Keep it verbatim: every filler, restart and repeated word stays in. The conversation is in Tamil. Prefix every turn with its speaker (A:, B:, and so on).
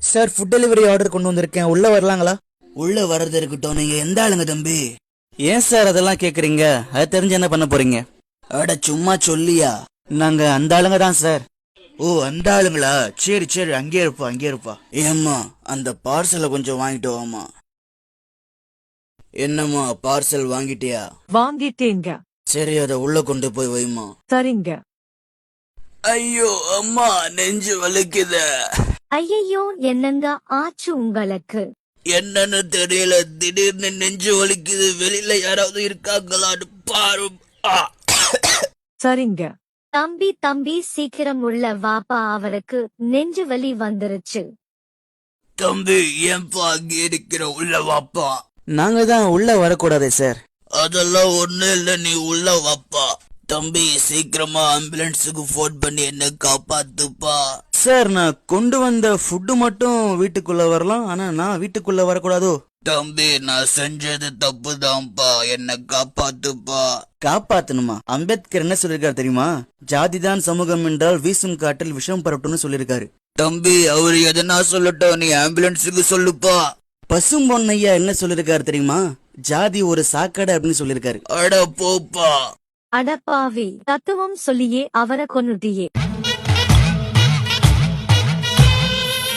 A: சார், ஃபுட் டெலிவரி ஆர்டர் கொண்டு வந்திருக்கேன், உள்ள வரலாங்களா? உள்ள வர்றது இருக்கட்டும், நீங்க எந்த ஆளுங்க தம்பி? ஏன் சார் அதெல்லாம் கேக்குறீங்க? அது தெரிஞ்சு என்ன பண்ண போறீங்க? அட சும்மா சொல்லியா? நாங்க அந்த ஆளுங்க தான் சார். ஓ, அந்த ஆளுங்களா? சரி சரி, அங்கே இருப்பா அங்கே இருப்பா. ஏம்மா, அந்த பார்சலை கொஞ்சம் வாங்கிட்டு வாமா. என்னம்மா, பார்சல் வாங்கிட்டியா?
B: வாங்கிட்டேங்க.
A: சரி, அதை உள்ள கொண்டு போய் வைமா.
B: சரிங்க.
A: ஐயோ அம்மா, நெஞ்சு வலிக்குது.
C: ஐயையோ, என்னங்க ஆச்சு உங்களுக்கு?
A: என்னன்னு தெரியல, திடீர்னு நெஞ்சு வலிக்குது. வெளியில யாராவது இருக்காங்களான்னு பாரு. ஆ.
B: சரிங்க.
C: தம்பி தம்பி சீக்கிரம் உள்ள வாப்பா, அவருக்கு நெஞ்சு வலி வந்துருச்சு.
A: தம்பி, ஏன்பா அங்கே இருக்கிற? உள்ள வாப்பா. நாங்க தான் உள்ள வரக்கூடாதே சார். அதெல்லாம் ஒண்ணு இல்ல, நீ உள்ள வாப்பா. தம்பி, சீக்கிரமா ஆம்புலன்ஸுக்கு போன் பண்ணி என்ன காப்பாத்துப்பா. சார், நான் கொண்டு வந்த ஃபுட்டு மட்டும் வீட்டுக்குள்ள வரலாம், ஆனா நான் வீட்டுக்குள்ள வரக்கூடாதோ? தம்பி, நான் செஞ்சது தப்பு தான்ப்பா, என்ன காப்பாத்துப்பா. காப்பாத்தணுமா? அம்பேத்கர் என்ன சொல்லிருக்காரு தெரியுமா? ஜாதிதான் சமூகம் என்றால் வீசும் காற்றில் விஷம் பரட்டும்னு சொல்லிருக்காரு. தம்பி, அவரு எதனா சொல்லட்டும், நீ ஆம்புலன்ஸுக்கு சொல்லுப்பா. பசும் பொன்னையா என்ன சொல்லிருக்காரு தெரியுமா? ஜாதி ஒரு சாக்கடை அப்படின்னு சொல்லிருக்காரு. அட போப்பா.
C: அடப்பாவி, தத்துவம் சொல்லியே அவரை கொன்னுட்டியே.